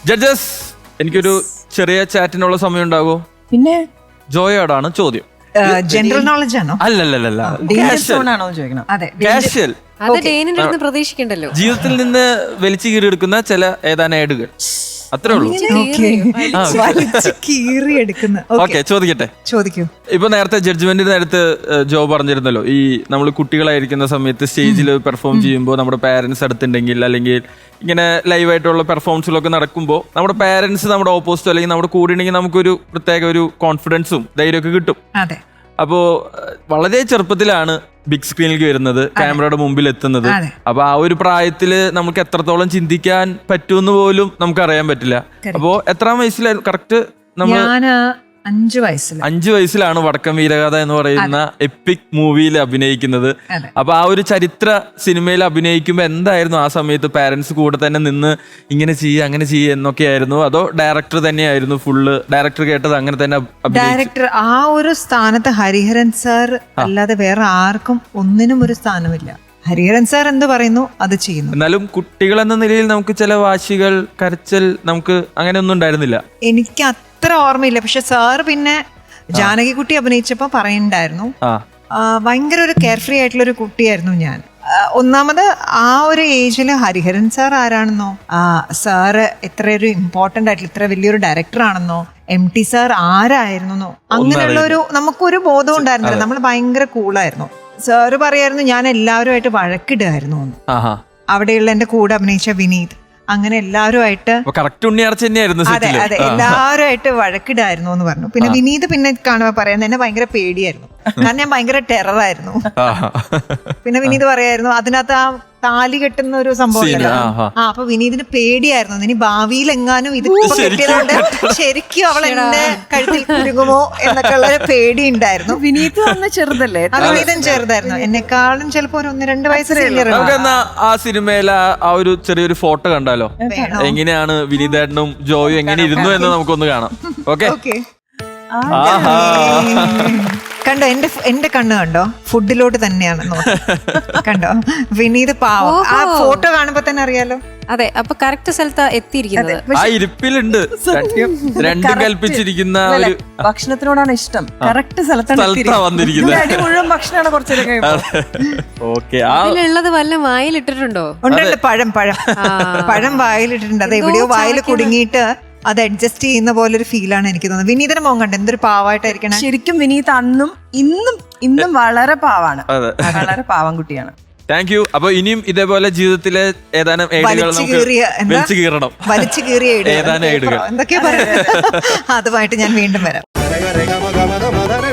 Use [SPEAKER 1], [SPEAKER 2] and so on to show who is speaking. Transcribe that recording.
[SPEAKER 1] Judges, എനിക്കൊരു ചെറിയ ചാറ്റിനുള്ള സമയം ഉണ്ടാകുമോ?
[SPEAKER 2] പിന്നെ
[SPEAKER 1] ജോയോടാണ് ചോദ്യം.
[SPEAKER 3] ജനറൽ നോളജ് ആണോ?
[SPEAKER 1] അല്ലല്ലല്ല,
[SPEAKER 2] ആണോ ചോദിക്കണം?
[SPEAKER 3] അതെ,
[SPEAKER 1] കാഷ്വൽ.
[SPEAKER 4] അത് ഡേനിന്റെ അടുത്ത് പ്രതീക്ഷിക്കണ്ടല്ലോ.
[SPEAKER 1] ജീവിതത്തിൽ നിന്ന് വലിച്ചു കീറിയെടുക്കുന്ന ചില ഏതാനും ഏടുകൾ, അത്രേ ഉള്ളൂ.
[SPEAKER 3] കീറിയെടുക്കുന്ന.
[SPEAKER 1] ഓക്കെ, ചോദിക്കട്ടെ.
[SPEAKER 3] ചോദിക്കൂ.
[SPEAKER 1] ഇപ്പൊ നേരത്തെ ജഡ്ജ്മെന്റിന് നേരത്ത് ജോ പറഞ്ഞിരുന്നല്ലോ, ഈ നമ്മൾ കുട്ടികളായിരിക്കുന്ന സമയത്ത് സ്റ്റേജിൽ പെർഫോം ചെയ്യുമ്പോൾ നമ്മുടെ പാരന്റ്സ് അടുത്തുണ്ടെങ്കിൽ, അല്ലെങ്കിൽ ഇങ്ങനെ ലൈവായിട്ടുള്ള പെർഫോമൻസിലൊക്കെ നടക്കുമ്പോൾ നമ്മുടെ പാരന്റ്സ് നമ്മുടെ ഓപ്പോസിറ്റോ അല്ലെങ്കിൽ നമ്മുടെ കൂടെ ഉണ്ടെങ്കിൽ നമുക്കൊരു പ്രത്യേക ഒരു കോൺഫിഡൻസും ധൈര്യമൊക്കെ കിട്ടും.
[SPEAKER 3] അതെ.
[SPEAKER 1] അപ്പോ വളരെ ചെറുപ്പത്തിലാണ് ബിഗ് സ്ക്രീനിലേക്ക് വരുന്നത്, ക്യാമറയുടെ മുമ്പിൽ എത്തുന്നത്. അപ്പൊ ആ ഒരു പ്രായത്തില് നമുക്ക് എത്രത്തോളം ചിന്തിക്കാൻ പറ്റുമെന്ന് പോലും നമുക്ക് അറിയാൻ പറ്റില്ല. അപ്പോ എത്രാം വയസ്സിലായിരുന്നു കറക്റ്റ്?
[SPEAKER 3] ഞാന് 5 വയസ്സിൽ.
[SPEAKER 1] 5 വയസ്സിലാണ് വടക്കം വീരഗാഥ എന്ന് പറയുന്ന എപ്പിക് മൂവിയിൽ അഭിനയിക്കുന്നത്. അപ്പൊ ആ ഒരു ചരിത്ര സിനിമയിൽ അഭിനയിക്കുമ്പോ എന്തായിരുന്നു ആ സമയത്ത് പാരന്റ്സ് കൂടെ തന്നെ നിന്ന് ഇങ്ങനെ ചെയ്യുക അങ്ങനെ ചെയ്യുക എന്നൊക്കെയായിരുന്നു? അതോ ഡയറക്ടർ തന്നെയായിരുന്നു ഫുള്ള്? ഡയറക്ടർ കേട്ടത് അങ്ങനെ തന്നെ?
[SPEAKER 3] ഡയറക്ടർ ആ ഒരു സ്ഥാനത്ത് ഹരിഹരൻ സാർ അല്ലാതെ വേറെ ആർക്കും ഒന്നിനും ഒരു സ്ഥാനമില്ല. ഹരിഹരൻ സാർ എന്ത് പറയുന്നു അത് ചെയ്യുന്നു.
[SPEAKER 1] എന്നാലും കുട്ടികൾ എന്ന നിലയിൽ നമുക്ക് ചില വാശികൾ, കരച്ചൽ നമുക്ക് അങ്ങനെ ഒന്നും ഉണ്ടായിരുന്നില്ല.
[SPEAKER 3] എനിക്ക് അത്ര ഓർമ്മയില്ല. പക്ഷെ സാർ പിന്നെ ജാനകിക്കുട്ടി അഭിനയിച്ചപ്പോ പറയുന്നുണ്ടായിരുന്നു, ഭയങ്കര ഒരു കെയർ ഫ്രീ ആയിട്ടുള്ള ഒരു കുട്ടിയായിരുന്നു ഞാൻ. ഒന്നാമത് ആ ഒരു ഏജില് ഹരിഹരൻ സാർ ആരാണെന്നോ, സാറ് എത്ര ഒരു ഇമ്പോർട്ടന്റ് ആയിട്ടുള്ള ഇത്ര വലിയൊരു ഡയറക്ടർ ആണെന്നോ, MT സാർ ആരായിരുന്നോ, അങ്ങനെയുള്ള ഒരു നമുക്കൊരു ബോധം ഉണ്ടായിരുന്നില്ല. നമ്മൾ ഭയങ്കര കൂളായിരുന്നു. സാറ് പറയായിരുന്നു ഞാൻ എല്ലാവരുമായിട്ട് വഴക്കിടുമായിരുന്നു. അവിടെയുള്ള എന്റെ കൂടെ അഭിനയിച്ച വിനീത്, അങ്ങനെ എല്ലാവരുമായിട്ട് അതെ അതെ എല്ലാവരുമായിട്ട് വഴക്കിടായിരുന്നു എന്ന് പറഞ്ഞു. പിന്നെ വിനീത് പിന്നെ കാണുമ്പോ പറയുന്നത് എന്നെ ഭയങ്കര പേടിയായിരുന്നു, കാരണം ഞാൻ ഭയങ്കര ടെററായിരുന്നു. പിന്നെ വിനീത് പറയായിരുന്നു അതിനകത്ത് ആ താലി കെട്ടുന്ന ഒരു സംഭവം. അപ്പൊ വിനീതിന് പേടിയായിരുന്നു, ഇനി ഭാവിയിൽ എങ്ങാനും ഇത് കെട്ടിയതുകൊണ്ട് ശരിക്കും അവൾ എന്നെ കഴുത്തിൽ കുരുങ്ങുമോ എന്നൊക്കെ ഉള്ള ഒരു പേടി ഉണ്ടായിരുന്നു.
[SPEAKER 2] വിനീത് വന്ന ചെറുതല്ലേ?
[SPEAKER 3] വിനീതൻ ചെറുതായിരുന്നു, എന്നെക്കാളും ചിലപ്പോ ഒരു 1-2 വയസ്സ്.
[SPEAKER 1] ആ സിനിമയിലെ ആ ഒരു ചെറിയൊരു ഫോട്ടോ കണ്ടാലോ? എങ്ങനെയാണ് വിനീതേട്ടനും ജോയും എങ്ങനെ ഇരുന്നു എന്ന് നമുക്കൊന്ന് കാണാം. ഓക്കെ.
[SPEAKER 3] കണ്ടോ എന്റെ കണ്ണ് കണ്ടോ? ഫുഡിലോട്ട് തന്നെയാണ് കണ്ടോ? വിനീത് പാവം, ആ ഫോട്ടോ കാണുമ്പോ തന്നെ അറിയാലോ.
[SPEAKER 4] അതെ, അപ്പൊ കറക്റ്റ് സ്ഥലത്താ എത്തിയിരിക്കുന്നത്.
[SPEAKER 1] ആ ഇരിപ്പിലുണ്ട് രണ്ടും കൽപ്പിച്ചിരിക്കുന്ന ഒരു
[SPEAKER 2] ഭക്ഷണത്തിനോടാണ് ഇഷ്ടം. കറക്റ്റ് സ്ഥലത്താണ് വന്നിരിക്കുന്നത്. അടി മുഴുവൻ ഭക്ഷണമാണ് കുറച്ചേരം.
[SPEAKER 1] ഓക്കെ.
[SPEAKER 4] അതിലുള്ളത് വല്ല വായിലിട്ടിട്ടുണ്ടോ?
[SPEAKER 3] ഉണ്ടല്ലോ, പഴം വായിലിട്ടിട്ടുണ്ട്. അത് എവിടെയോ വായിൽ കുടുങ്ങിയിട്ട് അത് അഡ്ജസ്റ്റ് ചെയ്യുന്ന പോലെ ഒരു ഫീലാണ് എനിക്ക് തോന്നുന്നത്. വിനീതനെ മോൻ കണ്ട എന്തൊരു പാവായിട്ടായിരിക്കണം.
[SPEAKER 2] ശരിക്കും വിനീത് അന്നും ഇന്നും വളരെ പാവാണ്, വളരെ പാവം കുട്ടിയാണ്.
[SPEAKER 1] Thank you. അപ്പൊ ഇനിയും ഇതേപോലെ ജീവിതത്തിലെ ഏതാനും വലിച്ചു കീറിയ
[SPEAKER 3] ഏതാനും എന്തൊക്കെയാ പറയുന്നത് അതുമായിട്ട് ഞാൻ വീണ്ടും വരാം.